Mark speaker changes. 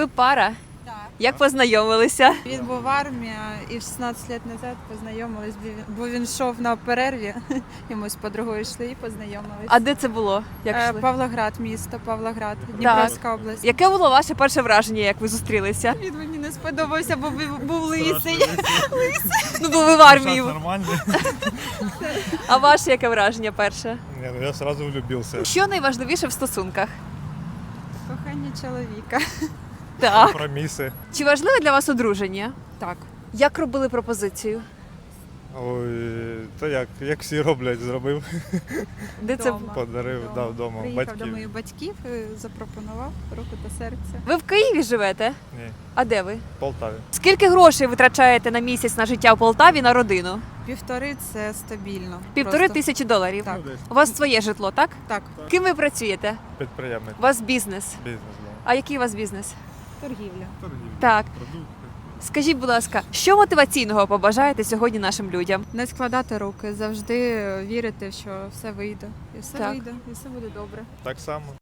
Speaker 1: Ви пара?
Speaker 2: Так.
Speaker 1: Як познайомилися?
Speaker 2: Він був в армії і 16 років назад познайомились, бо він йшов на перерві, і ми з подругою йшли і познайомились.
Speaker 1: А де це було? Як йшли?
Speaker 2: Павлоград, місто Павлоград, Дніпровська область.
Speaker 1: Яке було ваше перше враження, як ви зустрілися?
Speaker 2: Він мені не сподобався, бо був лисий.
Speaker 1: Ну, бо ви в армії.
Speaker 3: Нормально.
Speaker 1: А ваше яке враження перше?
Speaker 3: Не, ну я сразу влюбился.
Speaker 1: Що найважливіше в стосунках?
Speaker 2: Кохання чоловіка.
Speaker 1: Так.
Speaker 3: Компромиси.
Speaker 1: Чи важливе для вас одруження?
Speaker 2: Так.
Speaker 1: Як робили пропозицію?
Speaker 3: Ой, то як всі роблять, зробив,
Speaker 1: Де це?
Speaker 2: Вдома.
Speaker 3: подарив, дав вдома
Speaker 2: Приїхав
Speaker 3: батьків.
Speaker 2: до моїх батьків, запропонував руку та серце.
Speaker 1: Ви в Києві живете?
Speaker 3: Ні,
Speaker 1: А де ви?
Speaker 3: в Полтаві.
Speaker 1: Скільки грошей витрачаєте на місяць на життя в Полтаві на родину?
Speaker 2: 1,5 – це стабільно.
Speaker 1: $1500.
Speaker 2: Так.
Speaker 1: У вас своє житло, так?
Speaker 2: Так,
Speaker 1: Ким ви працюєте?
Speaker 3: Підприємець,
Speaker 1: У вас бізнес.
Speaker 3: бізнес.
Speaker 1: А який у вас бізнес?
Speaker 2: торгівля.
Speaker 1: Так. Скажіть, будь ласка, що мотиваційного побажаєте сьогодні нашим людям?
Speaker 2: Не складати руки, завжди вірити, що все вийде. І все
Speaker 1: Так.
Speaker 2: вийде, і все буде добре.
Speaker 3: Так само.